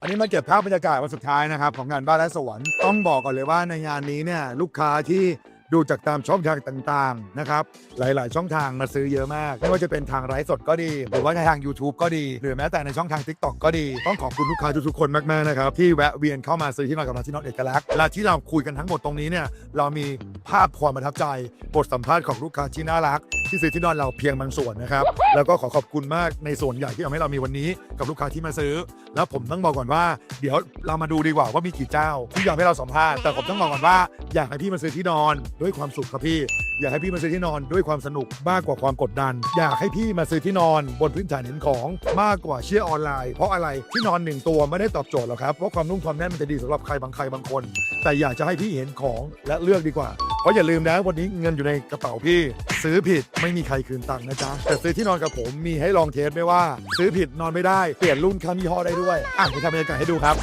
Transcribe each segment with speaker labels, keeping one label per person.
Speaker 1: อันนี้มาเก็บภาพบรรยากาศวันสุดท้ายนะครับของงานบ้านและสวนต้องบอกก่อนเลยว่าในงานนี้เนี่ยลูกค้าที่ดูจากตามช่องทางต่างๆนะครับหลายๆช่องทางมาซื้อเยอะมากไม่ว่าจะเป็นทางไลฟ์สดก็ดีหรือว่าในทาง YouTube ก็ดีหรือแม้แต่ในช่องทาง TikTok ก็ดีต้องขอบคุณลูกค้าทุกๆคนมากๆนะครับที่แวะเวียนเข้ามาซื้อที่นอนกับเราที่นอนเอกลักษณ์และที่เราคุยกันทั้งหมดตรงนี้เนี่ยเรามีภาพความประทับใจบทสัมภาษณ์ของลูกค้าที่น่ารักที่ซื้อที่นอนเราเพียงบางส่วนนะครับแล้วก็ขอบคุณมากในส่วนใหญ่ที่ทำให้เรามีวันนี้กับลูกค้าที่มาซื้อแล้วผมต้องบอกก่อนว่าเดี๋ยวเรามาดูดีกว่าว่ามีกี่เจ้าที่อยากให้เราสัมภาษณ์แต่ผมต้องบอกก่อนว่าอยากให้พี่มาซื้อที่นอนด้วยความสุขครับพี่อยากให้พี่มาซื้อที่นอนด้วยความสนุกมากกว่าความกดดันอยากให้พี่มาซื้อที่นอนบนพื้นฐานเห็นของมากกว่าเชื่อออนไลน์เพราะอะไรที่นอน1ตัวไม่ได้ตอบโจทย์หรอกครับเพราะความนุ่มความแน่นมันจะดีสำหรับใครบางคนแต่อยากจะให้พี่เห็นของและเลือกดีกว่าเพราะอย่าลืมนะวันนี้เงินอยู่ในกระเป๋าพี่ซื้อผิดไม่มีใครคืนตังค์นะจ๊ะแต่ซื้อที่นอนกับผมมีให้ลองเทสไม่ว่าซื้อผิดนอนไม่ได้เปลี่ยนรุ่นข้ามยี่ห้อได้ด้วยไปทำบรรยากาศให้ดูครับ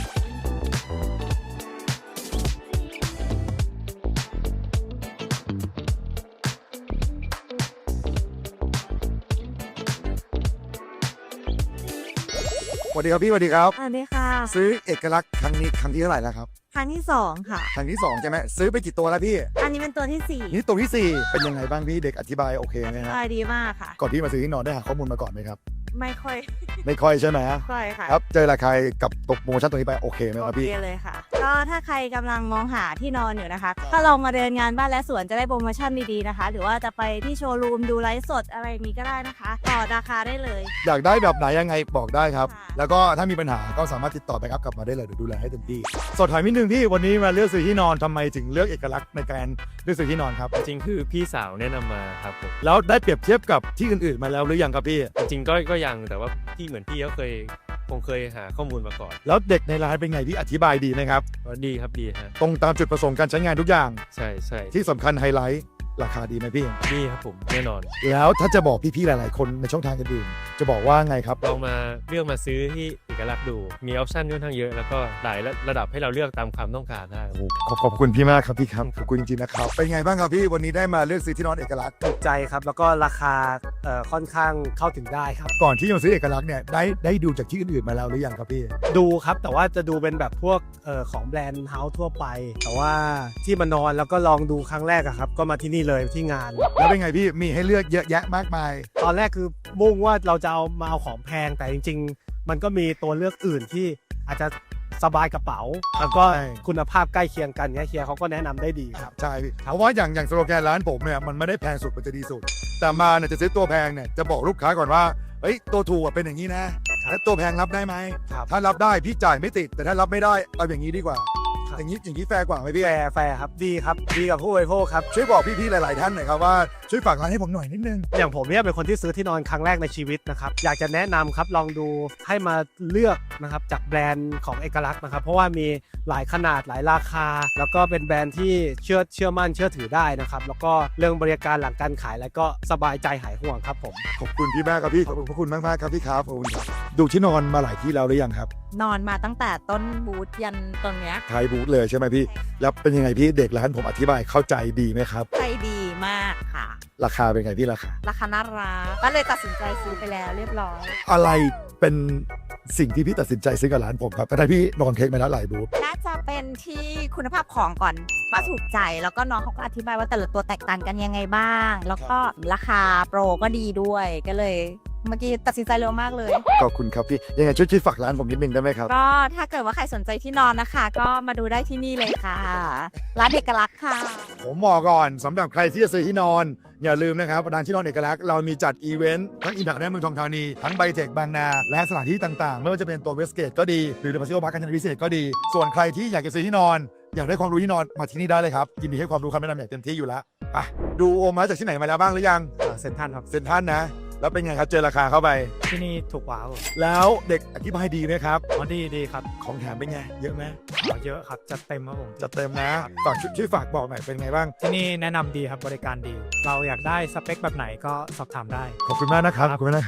Speaker 1: สวัสดีครับพี่สวัสดีครับ
Speaker 2: สวัสดีค่ะ
Speaker 1: ซื้อเอกลักษณ์ครั้งนี้ครั้งที่เท่าไหร่แล้วครับ
Speaker 2: ครั้งที่2ค่ะ
Speaker 1: ครั้งที่2ใช่ไหมซื้อไปกี่ตัวแล้วพี่
Speaker 2: อันนี้เป็นตัวที่4
Speaker 1: นี่ตัวที่4เป็นยังไงบ้างพี่เด็กอธิบายโอเคไหมครับ
Speaker 2: ดีมากค่ะ
Speaker 1: ก่อนที่มาซื้อที่นอนได้หาข้อมูลมาก่อนไหมครับ
Speaker 2: ไม่ค่อย
Speaker 1: ไม่ค่อยใช่ไหม
Speaker 2: ค่อยค่ะ
Speaker 1: ครับเจอราคากับตกโปรโมชั่นตัวนี้ไปโอเคไหมครับพี่
Speaker 2: โอเคเลยค่ะ ก็ถ้าใครกำลังมองหาที่นอนอยู่นะคะถ้าลองมาเดินงานบ้านและสวนจะได้โปรโมชั่นดีๆนะคะ หรือว่าจะไปที่โชว์รูมดูไลฟ์สดอะไรอย่างนี้ก็ได้นะคะต่อราคาได้เลย
Speaker 1: อยากได้แบบไหนยังไงบอกได้ครับ
Speaker 2: ค่ะ
Speaker 1: แล้วก็ถ้ามีปัญหาก็สามารถติดต่อแบ็กอัพกลับมาได้เลยเดี๋ยวดูแลให้เต็มที่สดถามนิดนึงพี่วันนี้มาเลือกซื้อที่นอนทำไมถึงเลือกเอกลักษณ์ในการเลือกซื้อที่นอนครับ
Speaker 3: จริงๆคือพี่สาวแนะนำมาครับผม
Speaker 1: แล้วได้เปรียบเทียบกับที่อื่นๆมาแล้วหรือยังครับพี่
Speaker 3: จริงๆก็ยังแต่ว่าพี่เหมือนพี่ก็คงเคยหาข้อมูลมาก่อน
Speaker 1: แล้วเด็กในร้านเป็นไงพี่อธิบายดีไหมครับ
Speaker 3: ก็ดีครับดีฮะ
Speaker 1: ตรงตามจุดประสงค์การใช้งานทุกอย่าง
Speaker 3: ใช่ใช่
Speaker 1: ที่สำคัญไฮไลท์ราคาดีไหมพี่
Speaker 3: ดีครับผมแน่นอน
Speaker 1: แล้วถ้าจะบอกพี่ๆหลายๆคนในช่องทางอื่นๆจะบอกว่าไงครับ
Speaker 3: ลองมาเลือกมาซื้อที่เอกลักษณ์ดูมีออปชั่นค่อนข้างเยอะแล้วก็หลายระดับให้เราเลือกตามความต้องการได้
Speaker 1: ขอบคุณพี่มากครับพี่ครับขอบคุณจริงๆนะครับเป็นไงบ้างครับพี่วันนี้ได้มาเลือกซื้อที่นอนเอกลักษณ์
Speaker 4: ถูกใจครับแล้วก็ราคาค่อนข้างเข้าถึงได้ครับ
Speaker 1: ก่อนที่จะมาซื้อเอกลักษณ์เนี่ยได้ดูจากที่อื่นๆมาแล้วหรือยังครับพี่
Speaker 4: ดูครับแต่ว่าจะดูเป็นแบบพวกของแบรนด์เฮาส์ทั่วไป แต่ว่าที่มานอนแล้วก็ลองดูครั้งแรกอะครับก็มาที่นี่เลยที่งาน
Speaker 1: แล้วเป็นไงพี่มีให้เลือกเยอะแยะมากมาย
Speaker 4: ตอนแรกคือมุ่งว่าเราจะเอาของแพงแต่จริงๆ มันก็มีตัวเลือกอื่นที่อาจจะสบายกระเป๋า แล้วก็
Speaker 1: ใช่
Speaker 4: คุณภาพใกล้เคียงกันเฮียเขาก็แนะนำได้ดีครับ
Speaker 1: ใช่พี่เพราะว่าอย่างสโลแกนร้านผมเนี่ยมันไม่ได้แพงสุดมันจะดีสุด แต่มาเนี่ยจะซื้อตัวแพงเนี่ยจะบอกลูกค้าก่อนว่าเฮ้ยตัวถูกอะเป็นอย่างนี้นะแล้วตัวแพงรับได้ไหม
Speaker 4: ครับ
Speaker 1: ถ้ารับได้พี่จ่ายไม่ติดแต่ถ้ารับไม่ได้เอาอย่างนี้ดีกว่า
Speaker 4: ครับ
Speaker 1: อย่างนี้แฟร์กว่าไหมพี่
Speaker 4: แฟร์ครับดีครับดีกับผู้บริโภคครับ
Speaker 1: ช่วยบอกพี่ๆหลายๆท่านหน่อยครับว่าช่วยฝากร้านให้ผมหน่อยนิดนึง
Speaker 4: อย่างผมเนี่ยเป็นคนที่ซื้อที่นอนครั้งแรกในชีวิตนะครับอยากจะแนะนำครับลองดูให้มาเลือกนะครับจากแบรนด์ของเอกลักษณ์นะครับเพราะว่ามีหลายขนาดหลายราคา แล้วก็เป็นแบรนด์ที่เชื่อมั่นเชื่อถือได้นะครับแล้วก็เรื่องบริการหลังการขายแล้วก็สบายใจหายห่วงครับผม
Speaker 1: ขอบคุณพี่มากครับพี่ขอบคุณมากๆครับพี่ครับขอบคุณครับดูที่นอนมาหลายที่แล้วหรือยังครับ
Speaker 2: นอนมาตั้งแต่ต้นบูธยันตรงเนี้ย
Speaker 1: ไทยบูธเลยใช่ไหมพี่แล้วเป็นยังไงพี่เด็กร้านผมอธิบายเข้าใจดีไหมครับ
Speaker 2: ใจดีมากค่ะ
Speaker 1: ราคาเป็นไงพี่ราคา
Speaker 2: ราคาน่ารักก็เลยตัดสินใจซื้อไปแล้วเรียบร้อย
Speaker 1: อะไรเป็นสิ่งที่พี่ตัดสินใจซื้อกับร้านผมครับแต่พี่นอนเค้กมาแล้วหลายบูธ
Speaker 2: น่าจะเป็นที่คุณภาพของก่อนว่าถูกใจแล้วก็น้องเขาก็อธิบายว่าแต่ละตัวแตกต่างกันยังไงบ้าง แล้วก็ราคาโปรก็ดีด้วยก็เลยเมื่อกี้ตัดสินใจเร็วมากเลย
Speaker 1: ขอบคุณครับพี่ยังไงช่วยฝากร้านผมนิดนึงได้ไหมครับ
Speaker 2: ก็ถ้าเกิดว่าใครสนใจที่นอนนะคะ ก็มาดูได้ที่นี่เลยค่ะ ร้านเอกลักษณ์ค่ะ
Speaker 1: ผมบอกก่อนสำหรับใครที่จะซื้อที่นอน อย่าลืมนะครับร้านที่นอนเอกลักษณ์เรามีจัดอีเวนต์ทั้งอิมแพคและเมืองทองธานีทั้งไบเทคบางนา และสถานที่ต่างๆ ไม่ว่าจะเป็นตัวเวสเกตก็ดีหรือเดอะพาซิโอพาร์คการจนาพิเศษก็ดี ส่วนใครที่อยากจะซื้อที่นอน อยากได้ความรู้ที่นอนมาที่นี่ได้เลยครับยินดีให้ความรู้คำแนะนำอย่างเต็มที่อยู่แล้วไปดูโอมาจากที่ไหนมาแล้วบ้างหรือยัง
Speaker 4: เซ็นทรัลครับ
Speaker 1: เซ็นทรัลนะ แล้วเป็นไงครับเจอราคาเข้าไป
Speaker 4: ที่นี่ถูกกว่าครับ
Speaker 1: แล้วเด็กอธิบายดีไหมครับ
Speaker 4: อ๋อดีครับ
Speaker 1: ของแถมเป็นไงเยอะไหม
Speaker 4: เยอะครับจัดเต็มครับผม
Speaker 1: จัดเต็มนะฝากช่วยฝากบอกหน่อยเป็นไงบ้าง
Speaker 4: ที่นี่แนะนำดีครับบริการดี เราอยากได้สเปคแบบไหนก็สอบถามได้
Speaker 1: ขอบคุณมากนะครับขอบคุณมากนะครับ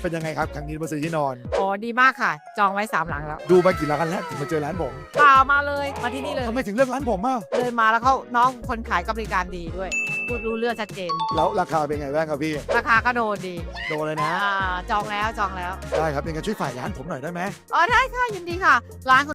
Speaker 1: เป็นยังไงครับครั้งนี้มาซื้อที่นอน
Speaker 5: อ๋อดีมากค่ะ จองไว้ 3 หลังแล้ว
Speaker 1: ดูมากี่ร้านแล้วถึงมาเจอร้านผม
Speaker 5: เปล่ามาเลยมาที่นี่เลย
Speaker 1: ทำไมถึงเลือกร้านผมอ่ะ
Speaker 5: เดินมาแล้วเขาน้องคนขายก็บริการดีด้วย พูดรู้เรื่องชัดเจน
Speaker 1: แล้วราคาเป็นไงบ้างครับพี่
Speaker 5: ราคาก็โดนดี
Speaker 1: โดนเลยนะ
Speaker 5: จองแล้ว
Speaker 1: ได้ครับยังไงช่วยฝ่ายร้านผมหน่อยได้ไหม
Speaker 5: อ๋อได้ค่ะยินดีค่ะ ร้าน